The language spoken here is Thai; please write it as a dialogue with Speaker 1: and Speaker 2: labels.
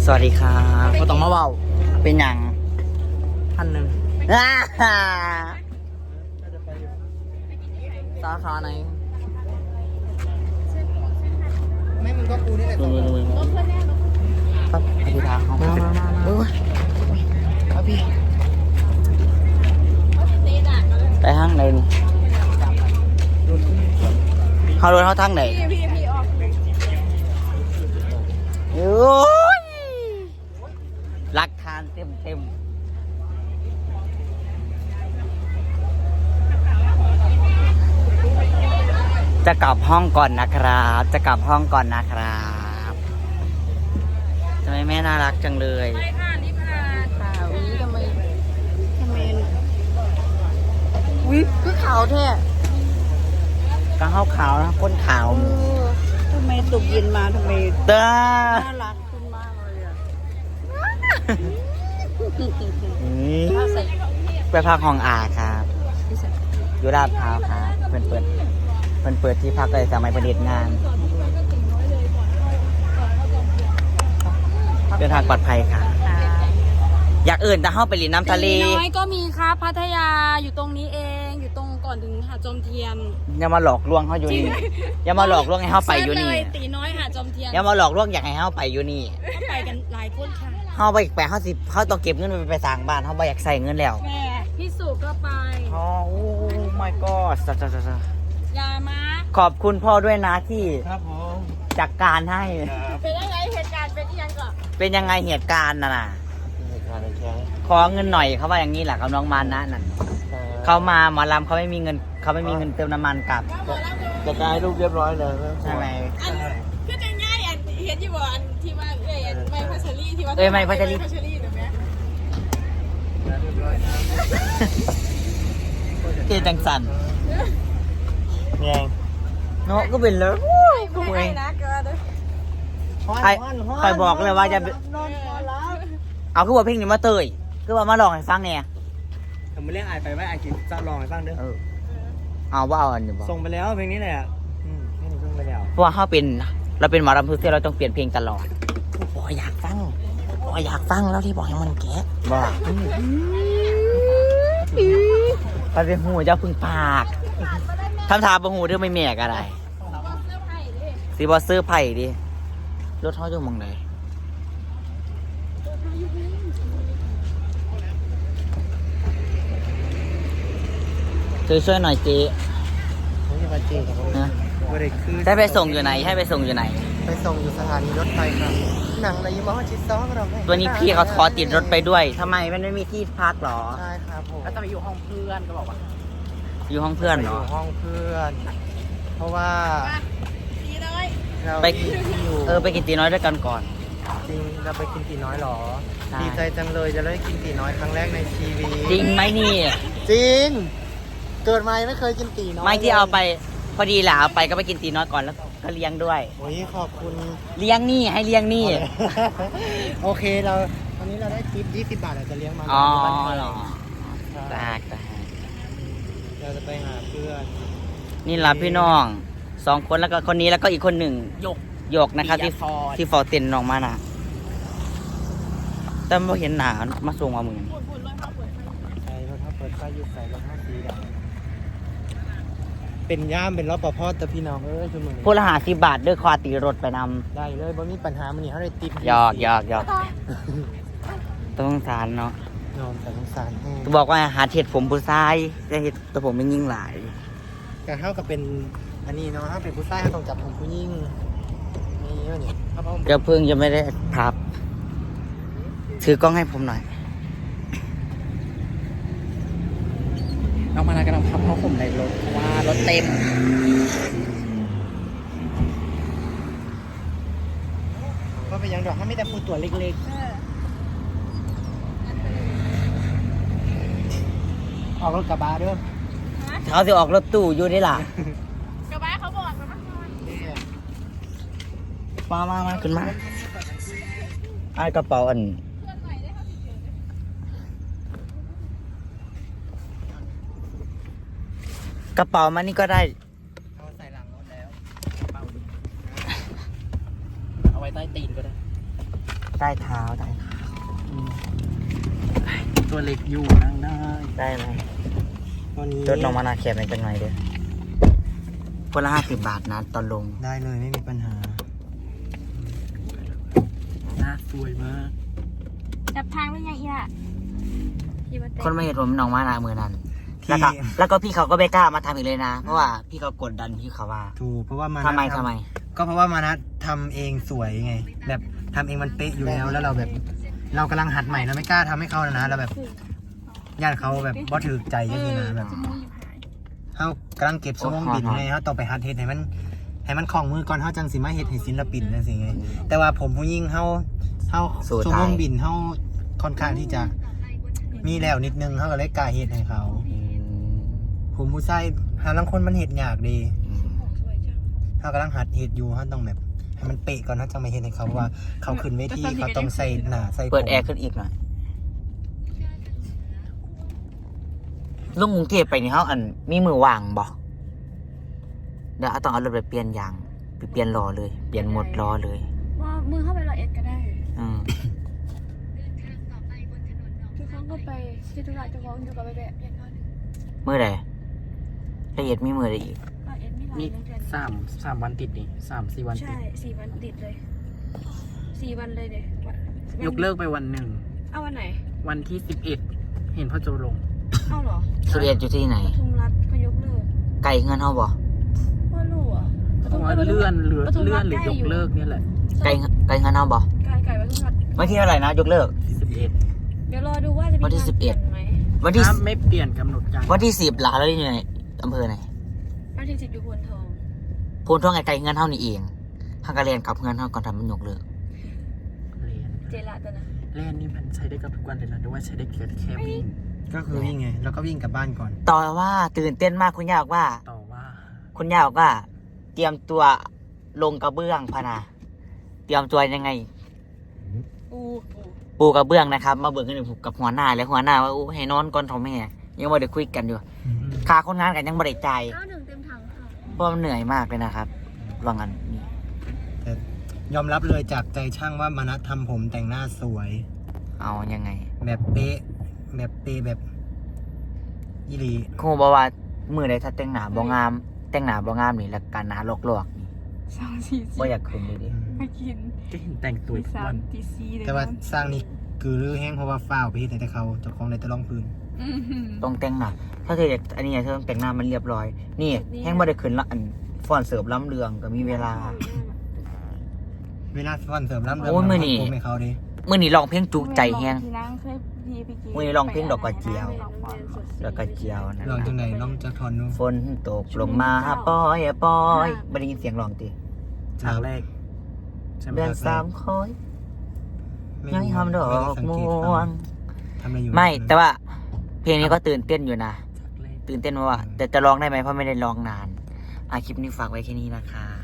Speaker 1: สวัสดีครับ
Speaker 2: ก็ต้องมาเบา
Speaker 1: เป็นอย่าง
Speaker 2: 1,000สาขาไหนไม่มึงก็กูนี่แหละ
Speaker 1: ปั๊บอธิษฐานเขาโอ้ยครับพี่ไปห้างไหนนี่เขาโดนเขาทางไหนโอ้ยรักทานเต็มจะกลับห้องก่อนนะครับจะกลับห้องก่อนนะครับทำไมแม่น่ารักจังเลย
Speaker 3: ไปค่ะนี่ค่ะข่าวนี้ทำไมวิคือขาวแท้
Speaker 1: ก็ขาวขาวนะก้นขาว
Speaker 3: ทำไมตกเย็นมาทำไม
Speaker 1: เด้อ
Speaker 3: น่ารักขึ้นมากเลยอ่ะ
Speaker 1: ไปพักห้องอาครับอยู่ลาดพร้าวครับเปิดที่พักเลยสมัยประดิษฐ์งานเดินทางปลอดภัยค่ะอยากอื่นแต่เข้าไปหลีน้ำทะเล
Speaker 3: ตีน้อยก็มีครับพัทยาอยู่ตรงนี้เองอยู่ตรงก่อนถึงหาดจอมเทียน
Speaker 1: อย่ามาหลอกลวงเขาอยู่นี่อย่ามาหลอกลวงให้เขาไปอยู่นี่
Speaker 3: เซิร์ชเลยตีน้อยหาดจอมเทียน
Speaker 1: อย่ามาหลอกลวงอยากให้เขาไปอยู่นี่
Speaker 3: ก็ไปกันหลายคนค่ะ
Speaker 1: เขาไปเขาต้องเก็บเงินไปสร้างบ้านเขาไม่อยากใส่เงินแล้ว
Speaker 3: แม่พี่สุก็ไป
Speaker 1: อ๋อโอ้ my god
Speaker 3: ยามา
Speaker 1: ขอบคุณพ่อด้วยนะที่
Speaker 2: ครับผม
Speaker 1: จัดการให้
Speaker 3: เป็นยังไงเหตุการณ์เป็นยังก่อน
Speaker 1: เป็นยังไงเหตุการณ์น่ะขอเงินหน่อยเขาว่าอย่างนี้แหละกับน้องมานะนั่นเขามาหมอลำเขาไม่มีเงินเติมน้ำมันกลับ
Speaker 2: จะกายรูปเรียบร้อยเลย
Speaker 1: ใช่ไหม
Speaker 3: คือจะง่ายอันเห็นที่บอกอันที่ว่าไม่พัชรีที่ว่า
Speaker 1: ไม่พัชรี
Speaker 3: พัชรีถูกไหม
Speaker 1: เกจังสัน
Speaker 2: เนี่ย
Speaker 1: เนาะก็เป็นเลยกูเอง
Speaker 3: นะเกิด
Speaker 1: ใครบอกเลยว่าจะเอาคือว่าเพลงนี้มาเตยคือว่ามาลองให้ฟังเนี่ย
Speaker 2: ผมไม่เรียกไอไปไว้ไอกินจะลองให้ฟังเด้อ
Speaker 1: เอาว่าเอาอันนี้บอก
Speaker 2: ส่งไปแล้วเพลงนี้แหละให้หนูส่งไปแล้ว
Speaker 1: เพราะว่าเราเป็นหมอลำทุกที่เราต้องเปลี่ยนเพลงตลอดบอกอยากฟังแล้วที่บอกให้มันแกะบอกไปเป็นหูเจ้าพึ่งปากทำทาบหูเรื่องไม่แม่กอะไรสีบอซื้อไผ่ดิรถเขาจะมองไหนช่วยหน่อยเจ๊
Speaker 2: ผมจะมาเจอกับผม
Speaker 1: นะ
Speaker 2: บริคือ
Speaker 1: ให้ไปส่งอยู่ไหนไปส่งอยู่
Speaker 2: สถานีรถไฟครับหนังอะไรยี่ห้อชิดซ้อเรา
Speaker 1: ตัวนี้พี่เขาขอติดรถไปด้วยทำไมมันไม่มีที่พักหรอ
Speaker 2: ใช่ครับผมแล้วจะไปอยู่ห้องเพื่อนก็บอกว่า
Speaker 1: อยู่ห้องเพื่อนเหรอ
Speaker 2: อยู่ห้องเพื่อน เพราะว่า
Speaker 3: ตีน้อย
Speaker 2: เรา
Speaker 1: ไป
Speaker 2: อยู่
Speaker 1: ไปกินตีน้อยด้วยกันก่อน
Speaker 2: จริงเราไปกินตีน้อยหรอ
Speaker 1: ใช่
Speaker 2: ดีใจจังเลยจะได้กินตีน้อยครั้งแรกในชีวิต
Speaker 1: จริงไหมนี่
Speaker 2: จริงเกิดมายังไม่เคยกินตีน้อย
Speaker 1: ไม่ที่เอาไปพอดีแหละเอาไปก็ไปกินตีน้อยก่อนแล้วก็เลี้ยงด้วย
Speaker 2: โอ้ยขอบคุณ
Speaker 1: เลี้ยงนี่ให้เลี้ยงนี่
Speaker 2: โอเคเราวันนี้เราได้ทิป20 บาทเราจะเลี้ยงมา
Speaker 1: อ๋อ
Speaker 2: บ้านไทย
Speaker 1: เหรอ
Speaker 2: ใช่
Speaker 1: ตาก
Speaker 2: เราจะไปหาเพื่อน
Speaker 1: นี่รับพี่น้อง2 คนแล้วก็คนนี้แล้วก็อีกคนหนึ่งหยกนะครับที่ฟอร์เต็นน้องมานะแต่ไม่เห็นหนามาส่งมาเหมือน
Speaker 2: ใช่รถถ้าเปิดไฟยุบใส่รถถ้าสีดำเป็นย่ามเป็นรอบปภแต่พี่น้องชั่วโมง
Speaker 1: พูดละ50 บาทด้วยควาตีรถไปนำ
Speaker 2: ได้เลยบ่มีปัญหามันนี่เขาได้ติด
Speaker 1: หยอกต้องสารเนาะ
Speaker 2: นอนแต่สงสารแห้ง
Speaker 1: บอกว่าหาเห็ดผมผู้ชายจะเห็ดแต่ผมไม่ยิ่งหลาย
Speaker 2: การเข้ากับเป็นอันนี้เนาะถ้าเป็นผู้ชายเขาต้องจับผมผู้หญิงนี่เยอะนี่ครับผม
Speaker 1: เจ้าพึ่งยังไม่ได้พับถือกล้องให้ผมหน่อย
Speaker 2: น้องมานากำลังพับผ้าห่มในรถเพราะว่ารถเต็มก็เป็นยังดอกถ้าไม่แต่พูดตัวเล็กๆออกรถกระบะเด้อ
Speaker 1: เขาจะออกรถตู้อยู่นี่ล่ะ
Speaker 3: กระบะเขาบอกกันว่า
Speaker 1: มาขึ้นมาไอ้กระเป๋าอันกระเป๋ามันนี่ก็ได้
Speaker 2: เอาใส่หลังรถแล้วกระเป๋าเอาไว้ใต้ตีนก็ได้
Speaker 1: ใต้เท้า
Speaker 2: ตัวเล็กอยู่นั่งได้
Speaker 1: ได้ไหม
Speaker 2: วันนี้
Speaker 1: รถน้องมานาแคบเป็นจังไงเด้อคนละ50 บาทนะตอนลง
Speaker 2: ได้เลยไม่มีปัญหาหน้าสวยมาก
Speaker 3: จับทางได้ยังอีล่ะพี่มาเต้
Speaker 1: คนไม่เห็นผมน้องมานามือนั้น
Speaker 2: ที่
Speaker 1: แล้วก็พี่เขาก็ไม่กล้ามาทำอีกเลยนะ เพราะว่าพี่เขากดดันพี่เขาว่า
Speaker 2: ถูกเพราะว่ามานะ
Speaker 1: ทำไม
Speaker 2: ก็เพราะว่ามานะทำเองสวยไง แบบทำเองมันเป๊ะอยู่แล้วแล้วเราแบบ เรากำลังหัดใหม่เราไม่กล้าทำให้เขานะเราแบบญาติเขาแบบบ่ถือใจก็คือนะแบบ
Speaker 3: จะมูอยู่หาย
Speaker 2: เขากำลังเก็บชั่วโมงบินไงเขาต้องไปหัดเฮ็ดให้มันคล่องมือก่อนเขาจังสิมาเฮ็ดให้ศิลปินนั่นสิไงแต่ว่าผมผู้หญิงเขาชั่วโมงบินเขาค่อนข้างที่จะมีแล้วนิดนึงเขาก็เลยกล้าเฮ็ดให้เขา ผมผู้ชายหาลังคนมันเฮ็ดยากดี
Speaker 3: สวยจัง
Speaker 2: เขากำลังหัดเฮ็ดอยู่เขาต้องแบบให้มันเป๊ะก่อนเขาจะมาเฮ็ดให้เขาเพราะว่าเขาขึ้นเวทีเขาต้องใส่หน้าใส่ผม
Speaker 1: เปิดแอร์ขึ้นอีกหน่อยลงกรุงเทพไปนี่เขามีมือว่างบ่เดี๋ยวต้องเอารถไปเปลี่ยนยางไปเปลี่ยนล้อเลย เปลี่ยนหมดล้อเลย
Speaker 3: ว่ามือเข้าไปละเอ็ดก็ได้
Speaker 1: อืม
Speaker 3: ทุกครั้งก็ไปที่ธุระจะวองอยู่กับไปแบบเพียงเท่านั้น
Speaker 1: มือใดละเอียดมีมือใดอีก
Speaker 3: ละเอ็ดไม่หลาย
Speaker 2: มี
Speaker 3: เดือน
Speaker 2: สามวันติดนี่3-4 วันติ
Speaker 3: ใช่
Speaker 2: ด
Speaker 3: 4 วันติดเลย4 วันเลยเด็ก
Speaker 2: ยกเลิกไปวันหนึ่ง
Speaker 3: เอาวันไหน
Speaker 2: วันที่11เห็นพ่อโจลง
Speaker 3: เอาเหรอ
Speaker 1: สุเรียนอยู่ที่ไหน
Speaker 3: ปทุมรัฐเขายกเลิก
Speaker 1: ไกลเงินเขาบ่
Speaker 3: ว่ารู้อ่ะ
Speaker 2: เพราะว่าเลื่อนหรือยกเลิกเนี่ยแหละ
Speaker 1: ไกลเงินเขาบ่
Speaker 3: ไก่ปทุมรัฐ
Speaker 1: วันที่เท่าไหร่นะยกเลิก
Speaker 2: 11
Speaker 3: เดี๋ยวรอดูว่าจะมี
Speaker 1: วันที่
Speaker 3: การ
Speaker 1: 11
Speaker 3: เปลี่ยนไหม
Speaker 1: วันที่
Speaker 2: ถ้าไม่เปลี่ยนกำหนดการ
Speaker 1: วันที่10หลาแล้วอยู่ในอำเภอไหน
Speaker 3: วันที่10อยู่พนทอง
Speaker 1: พูนท่องไกลเงินเท่านี้เองฮักกะเรียนกับเงินเท่าก่อนทำมันยกเลิก
Speaker 2: เรียน
Speaker 3: เจละตัวนะ
Speaker 2: เล่นนี่มันใช้ได้กับทุกวันเลยนะหรือว่าใช้ได้แค่วิ่งก็คือวิ่งไงแล้วก็วิ่งกลับบ้านก่อน
Speaker 1: ต่อว่าตื่นเต้นมากคุณย่าบอกว่า
Speaker 2: ต่อว่า
Speaker 1: คุณย่าบอกว่า เตรียมตัวลงกระเบื้องพะนะเตรียมตัวยังไง ปูกระเบื้องนะครับ มาเบิกกันกับหัวหน้าและหัวหน้าว่าอู้ให้นอนก่อนเท่าแม่ยังไม่ได้คุยกันอยู่ค่าคนงานกันยังไม่ได้จ่าย
Speaker 3: 91เต็มถังค่ะ
Speaker 1: เพราะมันเหนื่อยมากเลยนะครับลองกันนี่
Speaker 2: แต่ยอมรับเลยจากใจช่างว่ามานัดทำผมแต่งหน้าสวย
Speaker 1: เอายังไง
Speaker 2: แบบเป๊ะแบบอีหลี
Speaker 1: ครูบอกว่ามือใดถ้าแต่งหน้าบ่งาม แต่งหน้าบ่งามนี่แล้วการหน้าลอกๆนี่
Speaker 3: 2 4
Speaker 1: บ่อยากคืนเลยดิ
Speaker 3: 4ไม่กิน
Speaker 2: ก็เห็นแต่งตัวทุกวัน
Speaker 3: 3 ตี 4เลย
Speaker 2: แต่ว่าสร้างนี่คือรื้อแห้งเพราะว่าฝ้าวไปที่แต่เขาเจ้าของเลยจะลองพื้น
Speaker 1: ต้องแต่งหน้าถ้าเธออยากอันนี้เธอต้องแต่งหน้ามันเรียบร้อย นี่แห้งบ่ได้คืนละอันฟอนเสิร์ฟล้ำเรืองก็มีเวลา
Speaker 2: เวลาฟอนเสริมล้ำเรื
Speaker 1: โอ้ยมื้อนี้
Speaker 2: ผมให้เขาดิ
Speaker 1: มื้อนี้ร้องเพลงจุใจแห้ง
Speaker 3: ที่นั่งเคยพี่ไปกิน
Speaker 1: มื้อนี้ร้องเพลงดอกกระเจียว แล้วก็เจียวนะ
Speaker 2: ลองจังไหนลองจะทอนดู
Speaker 1: ฝนตกลงมาปอยปอยบ่ได้ยินเสียงร้องติ
Speaker 2: ฉากแรกใช่ไหม
Speaker 1: เดือน
Speaker 2: ฉากแรก
Speaker 1: 3คอยยังหอมดอกม่วง
Speaker 2: ทำอะไรอยู่
Speaker 1: ไม่แต่ว่า เพลงนี้ก็ตื่นเต้นอยู่นะ
Speaker 2: ฉากแรก
Speaker 1: ตื่นเต้นว่าแต่จะร้องได้ไหมเพราะไม่ได้ร้องนานคลิปนี้ฝากไว้แค่นี้นะคะ